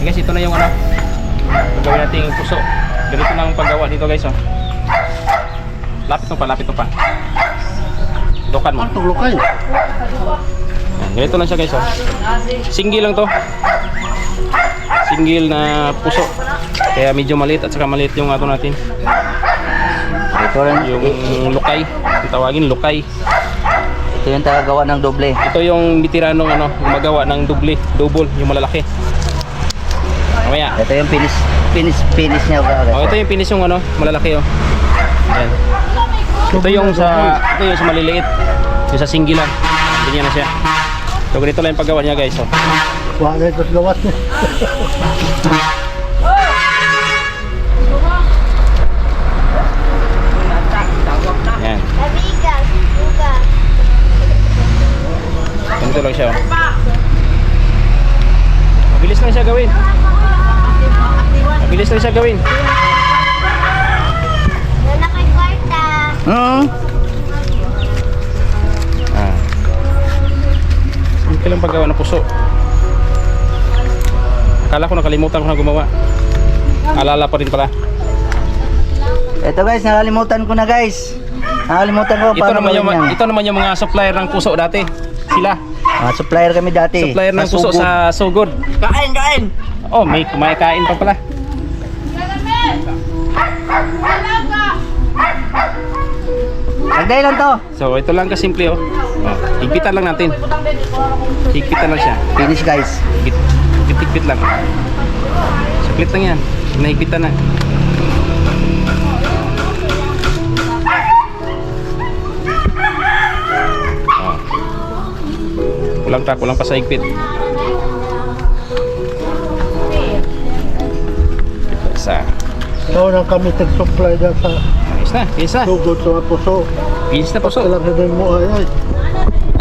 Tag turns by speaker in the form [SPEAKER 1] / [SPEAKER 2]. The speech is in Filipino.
[SPEAKER 1] Guys, ito na yung ano, gagawin natin yung puso. Ganito lang ang paggawa dito guys, oh. Lapit mo pa, lapit mo pa. Dukan mo.
[SPEAKER 2] Ang tulukay.
[SPEAKER 1] Yan, ganito lang siya guys, oh. Single lang to. Single na puso. Kaya medyo maliit at saka maliit yung ato natin.
[SPEAKER 3] Ito rin,
[SPEAKER 1] Yung lukay, yung tawagin lukay.
[SPEAKER 3] ito yung tagagawa ng doble.
[SPEAKER 1] Ito yung bitiranong ano, gumagawa ng double, yung malalaki. Mamaya.
[SPEAKER 3] Ito yung finish niya.
[SPEAKER 1] Oh, ito yung finish yung ano, malalaki oh. Ayan. Ito yung sa maliliit. Yung sa single lang. Ganyan na siya. So ganito lang yung paggawa niya guys, oh.
[SPEAKER 2] Wala ito sa gawas niya.
[SPEAKER 1] Ayan. Ganito lang siya, oh. Mabilis lang siya gawin. Mabilis lang siya gawin. Ah. Simple lang paggawa ng puso. Akala ko nakalimutan ko na gumawa. Alala pa rin pala.
[SPEAKER 3] Ito guys, nakalimutan ko na guys. Nakalimutan ko paano gawin yan.
[SPEAKER 1] Ito naman yung mga supplier ng puso dati. Sila.
[SPEAKER 3] Supplier kami dati.
[SPEAKER 1] Supplier ng puso sa Sugod.
[SPEAKER 3] Kain!
[SPEAKER 1] Oh, may kumakain pa pala.
[SPEAKER 3] Lagday lang to.
[SPEAKER 1] So, ito lang kasimple oh. Oh, higpitan lang natin. Higpitan lang siya.
[SPEAKER 3] Finish guys.
[SPEAKER 1] Higpit lang. Split lang yan. Nahigpitan na. Oh. Kulang pa sa higpit. Isa.
[SPEAKER 2] So, nang kami tag-supply dyan sa
[SPEAKER 1] Ayos na.
[SPEAKER 2] tugod sa puso.
[SPEAKER 1] Finish na puso.
[SPEAKER 2] Kailangan din mo ay.